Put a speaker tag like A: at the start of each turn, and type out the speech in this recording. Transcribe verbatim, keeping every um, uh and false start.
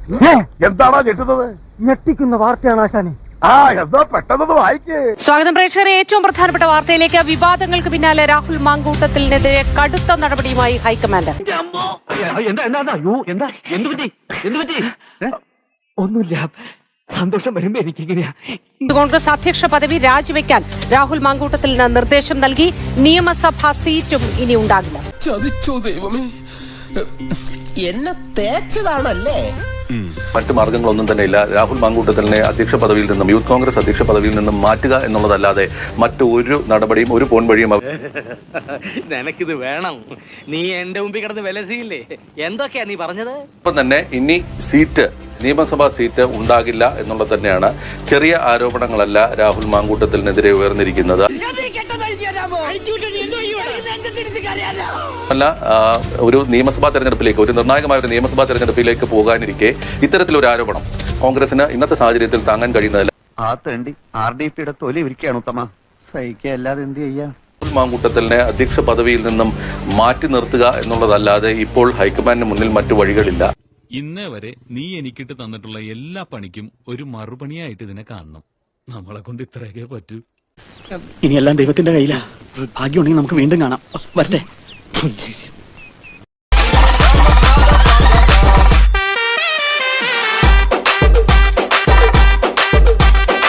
A: എന്താണോ ഞെട്ടുന്നത്?
B: ഞെട്ടിക്കുന്ന വാർത്തയാണ് ആശാനെ.
A: ആ എന്താ പെട്ടെന്ന് വായിക്കേ.
C: സ്വാഗതം പ്രേക്ഷകരെ. ഏറ്റവും പ്രധാനപ്പെട്ട വാർത്തയിലേക്ക്. വിവാദങ്ങൾക്ക് പിന്നാലെ രാഹുൽ മാങ്കൂട്ടത്തിനെതിരെ കടുത്ത നടപടിയുമായി ഹൈക്കമാൻഡ്.
B: ഒന്നുമില്ല, സന്തോഷം വരുമ്പോ എനിക്കിങ്ങനെയാ.
C: കോൺഗ്രസ് അധ്യക്ഷ പദവി രാജിവെക്കാൻ രാഹുൽ മാങ്കൂട്ടത്തിന് നിർദ്ദേശം നൽകി. നിയമസഭാ സീറ്റും ഇനി ഉണ്ടാകില്ല.
D: ചതിച്ചോ ദൈവമേ, എന്നെ തേച്ചതാണല്ലേ.
E: മറ്റു മാർഗങ്ങളൊന്നും തന്നെ ഇല്ല. രാഹുൽ മാങ്കൂട്ടത്തിനെ അധ്യക്ഷ പദവിയിൽ നിന്നും യൂത്ത് കോൺഗ്രസ് അധ്യക്ഷ പദവിയിൽ നിന്നും മാറ്റുക എന്നുള്ളതല്ലാതെ മറ്റു ഒരു നടപടിയും ഒരു പോൺ വഴിയും
F: നിനക്കിത് വേണം. നീ എന്റെ മുമ്പിൽ കിടന്ന് വിലസിയില്ലേ? എന്തൊക്കെയാ നീ പറഞ്ഞത്?
E: ഇപ്പം തന്നെ ഇനി സീറ്റ് നിയമസഭാ സീറ്റ് ഉണ്ടാകില്ല എന്നുള്ളത് തന്നെയാണ്. ചെറിയ ആരോപണങ്ങളല്ല രാഹുൽ മാങ്കൂട്ടത്തിനെതിരെ ഉയർന്നിരിക്കുന്നത്. അല്ല, ഒരു നിയമസഭാ തെരഞ്ഞെടുപ്പിലേക്ക്, ഒരു നിർണായകമായ ഒരു നിയമസഭാ തെരഞ്ഞെടുപ്പിലേക്ക് പോകാനിരിക്കെ ഇത്തരത്തിലൊരു ആരോപണം കോൺഗ്രസിന് ഇന്നത്തെ സാഹചര്യത്തിൽ താങ്ങാൻ കഴിയുന്നതല്ല.
A: ആ തേണ്ടി ആർ ഡി പിയുടെ തൊലി ഇരിക്കുകയാണ് ഉത്തമ. സഹിക്കല്ലാതെ എന്ത് ചെയ്യാ?
E: രാഹുൽ മാങ്കൂട്ടത്തിനെ അധ്യക്ഷ പദവിയിൽ നിന്നും മാറ്റി നിർത്തുക എന്നുള്ളതല്ലാതെ ഇപ്പോൾ ഹൈക്കമാൻഡിന് മുന്നിൽ മറ്റു വഴികളില്ല.
G: ഇന്നേ വരെ നീ എനിക്കിട്ട് തന്നിട്ടുള്ള എല്ലാ പണിക്കും ഒരു മറുപണിയായിട്ട് ഇതിനെ കാണണം. നമ്മളെ കൊണ്ട് ഇത്രയൊക്കെ പറ്റൂ.
B: ഇനിയെല്ലാം ദൈവത്തിന്റെ കയ്യിലാ. ഭാഗ്യമുണ്ടെങ്കിൽ നമുക്ക് വീണ്ടും കാണാം. വരട്ടെ.